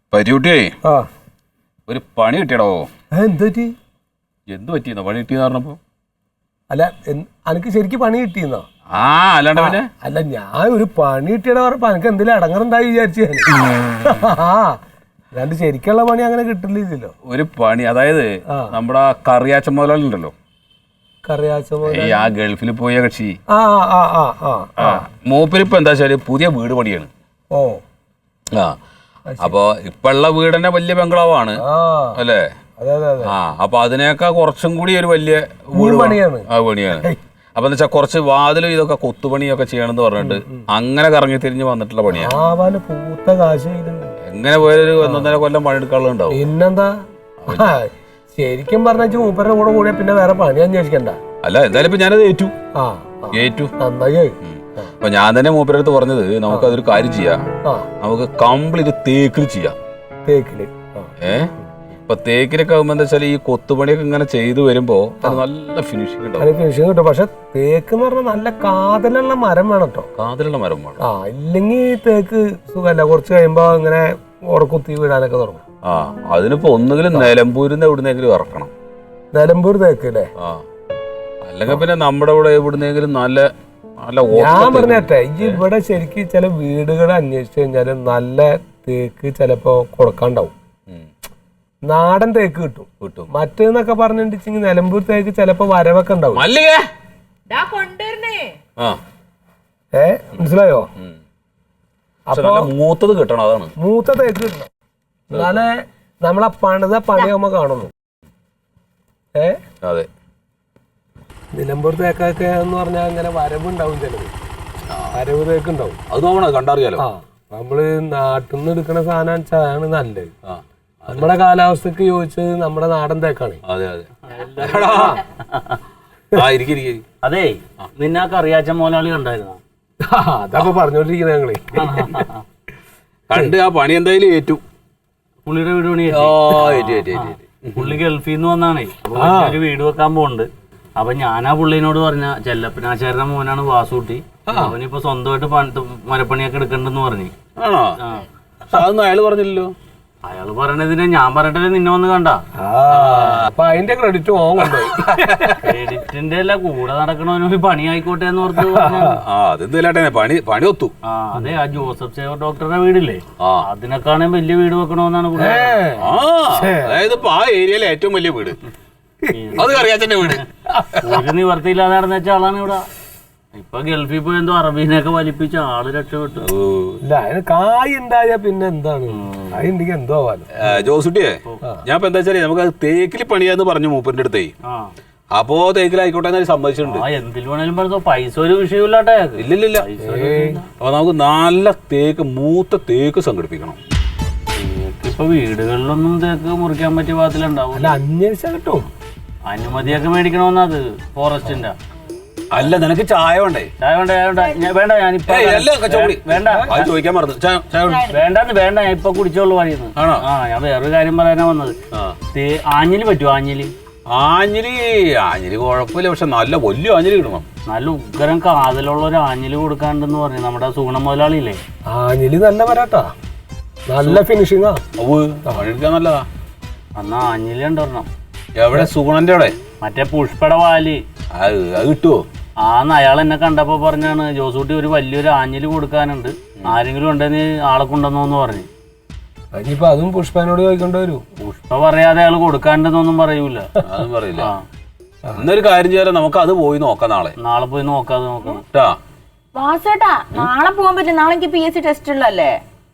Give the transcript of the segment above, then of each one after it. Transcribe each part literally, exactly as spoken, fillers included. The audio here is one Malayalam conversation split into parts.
പരിയൂട്ടിയേ ഒരു പണി കിട്ടിയടോ. എന്ത് പറ്റി? എന്ത് പറ്റിയെന്നോ പണി കിട്ടിയെന്ന് പറഞ്ഞപ്പോ? അല്ല എനിക്ക് ശരിക്കും പണി കിട്ടിയെന്നോ? ആ അല്ലാണ്ട് പിന്നെ അല്ല ഞാൻ ഒരു പണി കിട്ടിയട പറഞ്ഞപ്പോ എനിക്ക് എന്തെങ്കിലും അടങ്ങറുണ്ടായി വിചാരിച്ചു. ആ രണ്ട് ശരിക്കുള്ള പണി അങ്ങനെ കിട്ടില്ലല്ലോ. ഒരു പണി അതായത് നമ്മുടെ കറിയാച്ച മുതലുണ്ടല്ലോ, കറിയാച്ച ആ ഗൾഫിൽ പോയ കക്ഷി. ആ ആ ആ ആ മൂപ്പരിപ്പോ എന്താ വെച്ചാല് പുതിയ വീട് പണിയാണ്. ഓ ആ അപ്പൊ ഇപ്പൊ ഉള്ള വീട് തന്നെ വലിയ ബംഗ്ലാവാണ് അല്ലേ? ആ അപ്പൊ അതിനേക്കാൾ കുറച്ചും കൂടി ഒരു വലിയ വീട് പണിയാണ്. ആ പണിയാണ്. അപ്പൊ എന്താ വെച്ചാൽ കുറച്ച് വാതിലും ഇതൊക്കെ കൊത്തുപണിയൊക്കെ ചെയ്യണമെന്ന് പറഞ്ഞിട്ട് അങ്ങനെ കറങ്ങി തിരിഞ്ഞ് വന്നിട്ടുള്ള പണിയാണ്. എങ്ങനെ പോയൊരു ഒന്നൊന്നര കൊല്ലം പണിയെടുക്കാനുള്ള ഉണ്ടാവും. പിന്നെന്താ ശരിക്കും പറഞ്ഞ മൂപ്പരുടെ കൂടെ കൂടിയ പിന്നെ വേറെ പണി അന്വേഷിക്കണ്ട. അല്ല എന്തായാലും ഇപ്പൊ ഞാനത് ഏറ്റു ഏറ്റു നന്നായി. അപ്പൊ ഞാൻ തന്നെ മൂപ്പരുടെ അടുത്ത് പറഞ്ഞത് നമുക്കതൊരു കാര്യം ചെയ്യാം, നമുക്ക് കംപ്ലീറ്റ് തേക്കിൽ ചെയ്യാം. തേക്കില് ഏഹ് ഇപ്പൊ തേക്കിലൊക്കെ ആകുമ്പോ എന്താ വെച്ചാൽ ഈ കൊത്തുപണിയൊക്കെ ഇങ്ങനെ ചെയ്തു വരുമ്പോ അത് നല്ല ഫിനിഷിംഗ് ഉണ്ടാവും. ഫിനിഷിംഗ് കിട്ടും. പക്ഷെ തേക്ക് എന്ന് പറഞ്ഞാൽ നല്ല കാതലുള്ള മരം വേണം കേട്ടോ. കാതലുള്ള മരം വേണം. ആ ഇല്ലെങ്കിൽ തേക്ക് സുഖമല്ല, കുറച്ച് കഴിയുമ്പോ ഇങ്ങനെ ഉറക്കുത്തി വീഴാനൊക്കെ തുടങ്ങും. ആ അതിനിപ്പോ ഒന്നുകിലും നിലമ്പൂരിന്ന് എവിടുന്നെങ്കിലും ഇറക്കണം. നിലമ്പൂർ തേക്ക് അല്ലേ? ആ അല്ലെങ്കിൽ പിന്നെ നമ്മുടെ ഇവിടെ എവിടുന്നെങ്കിലും നല്ല നല്ല ഞാൻ പറഞ്ഞേ ഈ ഇവിടെ ശരിക്കും ചില വീടുകൾ അന്വേഷിച്ചു കഴിഞ്ഞാല് നല്ല തേക്ക് ചിലപ്പോ കൊടുക്കാണ്ടാവും. നാടൻ തേക്ക് കിട്ടും കിട്ടും മറ്റേന്നൊക്കെ പറഞ്ഞിട്ടുണ്ടെങ്കിൽ നിലമ്പൂർ തേക്ക് ചിലപ്പോ വരവൊക്കെ ഉണ്ടാവും. ഏ മനസ്സിലായോ? അപ്പൊ മൂത്തത് കിട്ടണം, അതാണ് മൂത്ത തേക്ക് കിട്ടണം. എന്നാലേ നമ്മളെ പണിത പണിയാകുമ്പോ കാണുന്നു. ഏ അതെ നിലമ്പൂർ തേക്കൊക്കെ എന്ന് പറഞ്ഞാൽ അങ്ങനെ വരവുണ്ടാവും, ചിലത് വരവ് തേക്ക് ഉണ്ടാവും. അത് നോക്കണം, കണ്ടറിയാലോ. ആ നമ്മള് നാട്ടിൽ നിന്ന് എടുക്കുന്ന സാധനം വെച്ചാണ് നല്ലത്. നമ്മുടെ കാലാവസ്ഥക്ക് ചോദിച്ചത് നമ്മുടെ നാടൻ തേക്കാണ്. അതെ അതെ അതെ നിന്നെ കറിയാച്ച മോലാളി കണ്ടായിരുന്നോ? അതൊക്കെ പറഞ്ഞോണ്ടിരിക്കുന്ന ഞങ്ങള് കണ്ട് ആ പണി എന്തായാലും ഏറ്റു. പുള്ളിയുടെ വീട് പണി പുള്ളി ഗൾഫിൽ നിന്ന് വന്നാണേ. ഒരു വീട് വെക്കാൻ പോകുന്നുണ്ട്. അപ്പൊ ഞാനാ പുള്ളിനോട് പറഞ്ഞ ചെല്ലപ്പനാചാരന്റെ മോനാണ് വാസൂട്ടി, അവനിപ്പോ സ്വന്തമായിട്ട് മരപ്പണിയൊക്കെ എടുക്കണ്ടെന്ന് പറഞ്ഞു. ആണോ? അതൊന്നും അയാള് പറഞ്ഞില്ലല്ലോ. അയാള് പറയണതിനെ ഞാൻ പറഞ്ഞിട്ടല്ലേ നിന്നെ വന്ന് കണ്ട. അപ്പൊ അതിന്റെ ക്രെഡിറ്റ് കൊണ്ടുപോയി. ക്രെഡിറ്റിന്റെ അല്ല, കൂടെ നടക്കണവനൊരു പണി ആയിക്കോട്ടെ എന്ന് ഓർത്ത്. പണി പണി ഒത്തു. ആ അതെ, ആ ജോസഫ് സേവർ ഡോക്ടറുടെ വീടില്ലേ, അതിനൊക്കെയാണെങ്കിൽ വലിയ വീട് വെക്കണമെന്നാണ്. അതായത് ആ ഏരിയയിലെ ഏറ്റവും വലിയ വീട് അത് കറിയാച്ചന്റെ വീട്. ഒരു നിവർത്തിയില്ലാതെ നടന്ന വെച്ച ആളാണ് ഇവിടെ. ഇപ്പൊ ഗൾഫിൽ പോയി എന്തോ അറബീനൊക്കെ വലിപ്പിച്ച ആള് രക്ഷപ്പെട്ടു. കായ് ഉണ്ടായ പിന്നെ എന്താണ്, കായ് ഉണ്ടെങ്കിൽ എന്തോ ആവാലോ. ജോസുട്ടിയെ ഞാൻ ഇപ്പൊ എന്താ വെച്ചാൽ നമുക്ക് തേക്കിൽ പണിയാന്ന് പറഞ്ഞു മൂപ്പറിന്റെ അടുത്തേ. അപ്പോ തേക്കിലായിക്കോട്ടെ എന്ന് സമ്മതിച്ചിട്ടുണ്ട്. എന്തിൽ വേണേലും പറഞ്ഞോ, പൈസ ഒരു വിഷയമില്ലാട്ടെ. ഇല്ലില്ല. അപ്പൊ നമുക്ക് നല്ല തേക്ക് മൂത്ത തേക്ക് സംഘടിപ്പിക്കണം. ഇപ്പൊ വീടുകളിലൊന്നും തേക്ക് മുറിക്കാൻ പറ്റിയ പാകത്തിലുണ്ടാവും. അല്ല അന്വേഷിച്ചാ കിട്ടും. അനുമതിയൊക്കെ മേടിക്കണമെന്നത് ഫോറസ്റ്റിന്റെ. അല്ല നിനക്ക് ചായ വേണ്ടേ? ചായ വേണ്ട വേണ്ട ഞാനിപ്പോ വേണ്ട ചോദിക്കാൻ മറന്നു. വേണ്ടെന്ന് വേണ്ട, ഞാൻ ഇപ്പൊ കുടിച്ചോളൂ വഴിയെന്ന്. ആണോ? ആ ഞാൻ വേറൊരു കാര്യം പറയാനാ വന്നത്. ആഞ്ഞിലി പറ്റുമോ? ആഞ്ഞിലി ആഞ്ഞിലി ആഞ്ഞിലി കുഴപ്പമില്ല, പക്ഷെ നല്ല വലിയ ആഞ്ഞിലി കിട്ടണം. നല്ല ഉഗ്രം കാതലുള്ള ഒരു ആഞ്ഞിലി കൊടുക്കാണ്ടെന്ന് പറഞ്ഞു നമ്മുടെ സൂണ മുതലാളിയില്ലേ. ആഞ്ഞിലി നല്ല വരാട്ടാ, നല്ല ഫിനിഷിംഗാ. പണിയെടുക്കാൻ നല്ലതാ. എന്നാ ആഞ്ഞിലി ഉണ്ടോരണം. എവിടെ? സൂണന്റെ അവിടെ മറ്റേ പുഷ്പയുടെ വാല് അത് കിട്ടുവോ? ആന്ന് അയാൾ എന്നെ കണ്ടപ്പോ പറഞ്ഞാണ്, ജോസൂട്ടി ഒരു വലിയൊരു ആഞ്ഞിലി കൊടുക്കാനുണ്ട്, ആരെങ്കിലും ഉണ്ടെന്ന് ആളെ കൊണ്ടുവന്നോന്ന് പറഞ്ഞു. ഇനിയിപ്പോ അതും പുഷ്പനോട് ചോദിക്കേണ്ടി വരും. പുഷ്പ പറയാതെ അയാൾ കൊടുക്കാണ്ടെന്നൊന്നും പറയൂല. അതും പറയില്ല. എന്നൊരു കാര്യം ചെയ്യാലോ, നമുക്ക് അത് പോയി നോക്കാം. നാളെ നാളെ പോയി നോക്കാതെ നോക്കണം. വാസേട്ടാ നാളെ പോകാൻ പറ്റില്ല, നാളെ എനിക്ക് പി എസ് സി ടെസ്റ്റ് ഉള്ളല്ലേ.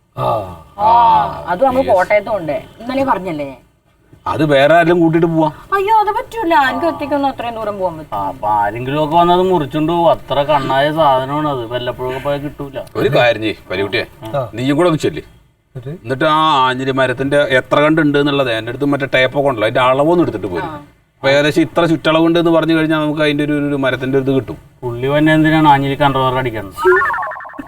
അത് നമ്മള് കോട്ടയത്തും ഉണ്ട്, ഇന്നലെ പറഞ്ഞല്ലേ. അത് വേറെ ആരെങ്കിലും കൂട്ടിട്ട് പോവാ. അയ്യോ അത് പറ്റൂല, എനിക്ക് ഒറ്റയ്ക്കൊന്നും അത്രയും ദൂരം പോകാൻ പറ്റും. അപ്പൊ ആരെങ്കിലും ഒക്കെ വന്നത് മുറിച്ചുണ്ടോ, അത്ര കണ്ണായ സാധനമാണ് അത്, വല്ലപ്പോഴൊക്കെ പോയാൽ കിട്ടൂല. ഒരു കാര്യം ചെയ്യ് പരികുട്ടിയെ, നീയും കൂടെ ഒന്ന് ചെല്ല്. എന്നിട്ട് ആ ആഞ്ഞിലി മരത്തിന്റെ എത്ര കണ്ടുണ്ട് എന്നുള്ളത് എന്റെ അടുത്ത് മറ്റേ ടേപ്പൊക്കെ ഉണ്ടല്ലോ, അതിന്റെ അളവൊന്നും എടുത്തിട്ട് പോരും. അപ്പൊ ഏകദേശം ഇത്ര ചുറ്റളവുണ്ട് എന്ന് പറഞ്ഞു കഴിഞ്ഞാൽ നമുക്ക് അതിന്റെ ഒരു മരത്തിന്റെ ഒരു ഇത് കിട്ടും. പുള്ളി തന്നെ എന്തിനാണ് ആഞ്ഞിലി കൺട്രോളർ അടിക്കുന്നത്?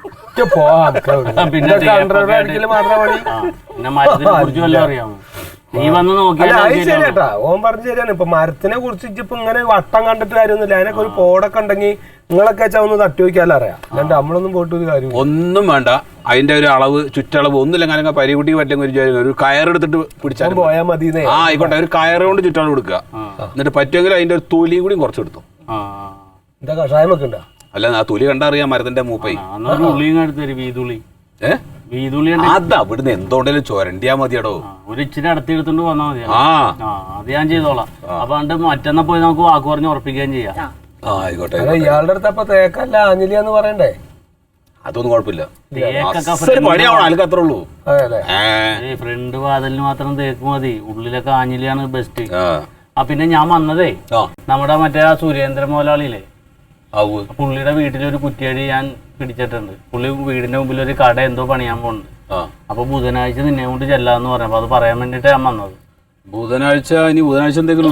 പിന്നെ പിന്നെ മരത്തിനെ കുറിച്ച് വല്ലതും അറിയാമോ? നീ വന്ന് അല്ല നോക്കിയാൽ അത് ശരിയാട്ടാ, ഓൻ പറഞ്ഞ ശരിയാണ്. ഇപ്പൊ മരത്തിനെ കുറിച്ച് ഇപ്പൊ ഇങ്ങനെ വട്ടം കണ്ടിട്ട് കാര്യമൊന്നുമില്ല. അതിനൊക്കെ ഒരു പോടൊക്കെ ഉണ്ടെങ്കിൽ നിങ്ങളൊക്കെ വെച്ചാൽ ഒന്ന് തട്ടി വയ്ക്കാല്ലോ അറിയാം. അല്ലാണ്ട് നമ്മളൊന്നും പോയിട്ട് ഒരു കാര്യം ഒന്നും വേണ്ട. അതിന്റെ ഒരു അളവ് ചുറ്റളവ് ഒന്നുമില്ല. അങ്ങനെ പരികുട്ടി പറ്റുമെങ്കിൽ ഒരു ഒരു കയറെടുത്തിട്ട് പിടിച്ചാൽ പോയാൽ മതി. ആ ആയിക്കോട്ടെ, ഒരു കയറ് കൊണ്ട് ചുറ്റളവ് കൊടുക്കുക. എന്നിട്ട് പറ്റുമെങ്കിൽ അതിന്റെ ഒരു തൊലിയും കൂടി കുറച്ച് എടുത്തു. എന്താ കഷായം വെക്കണ്ട? അല്ല ആ തൊലി കണ്ടറിയാം മരത്തിന്റെ മൂപ്പൈ. ഉള്ളിയും എടുത്തൊരു വീതുള്ളി ഏഹ് വീതുള്ളി അതാ ഇവിടുന്ന് എന്തോണ്ടേലും ചൊരണ്ടിയാ മതിയടോ. ഒരു ഇച്ചിരി അടുത്ത് എടുത്തോണ്ട് വന്നാൽ മതി. ആ അത് ഞാൻ ചെയ്തോളാം. അപ്പൊ കണ്ട് മറ്റന്നാ പോയി നമുക്ക് വാക്ക് പറഞ്ഞ് ഉറപ്പിക്കുകയും ചെയ്യാം. ആ ആയിക്കോട്ടെ. ഇയാളുടെ അടുത്ത് അപ്പൊ തേക്കല്ല ആഞ്ഞിലിയാന്ന് പറയണ്ടേ? അതൊന്നും കുഴപ്പമില്ല. പണിയാവണം, അതൊക്കെ അത്രേ ഉള്ളൂ. ഫ്രണ്ട് വാതിലിന് മാത്രം തേക്ക് മതി, ഉള്ളിലൊക്കെ ആഞ്ഞിലിയാണ് ബെസ്റ്റ്. ആ പിന്നെ ഞാൻ വന്നതേ നമ്മുടെ മറ്റേ ആ സുരേന്ദ്രൻ മോലാളിയില്ലേ, പുള്ളിയുടെ വീട്ടിലൊരു കുറ്റിയടി ഞാൻ പിടിച്ചിട്ടുണ്ട്. പുള്ളി വീടിന്റെ മുമ്പിൽ ഒരു കട എന്തോ പണിയാൻ പോകുന്നുണ്ട്. അപ്പൊ ബുധനാഴ്ച നിന്നെ കൊണ്ട് ചെല്ലാന്ന് പറഞ്ഞപ്പോ അത് പറയാൻ വേണ്ടിട്ട് ഞാൻ വന്നത്. ബുധനാഴ്ച ഇനി ബുധനാഴ്ച എന്തെങ്കിലും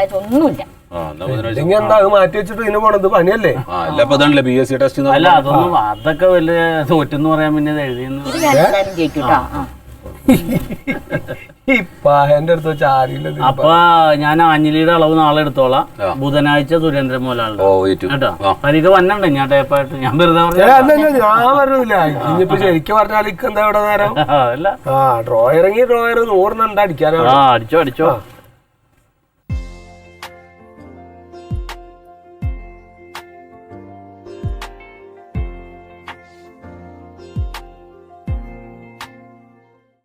എന്താ മാറ്റി വെച്ചിട്ട് ഇതിന് പോണത് പണിയല്ലേ? ബി എസ് സി ടെസ്റ്റ് അല്ല അതൊന്നും അതൊക്കെ വലിയ തോറ്റെന്ന് പറയാൻ പിന്നെ എഴുതിയെന്ന് അപ്പൊ ഞാൻ ആഞ്ഞിലിയുടെ അളവ് നാളെ എടുത്തോളാം. ബുധനാഴ്ച സുരേന്ദ്രൻ മോലാണ് കേട്ടോ. പരിക്ക് വന്നണ്ടേ ഞാൻ ടേപ്പായിട്ട് ഞാൻ വെറുതെ ഞാൻ പറഞ്ഞില്ല. ഇനിയിപ്പോ ശരിക്കും പറഞ്ഞാൽ എന്താ ഇവിടെ നേരം? അല്ല ആ ഡ്രോയർ ഡ്രോയർ നൂറിനെണ്ണം അടിക്കാനാണ്. അടിച്ചോ അടിച്ചോ.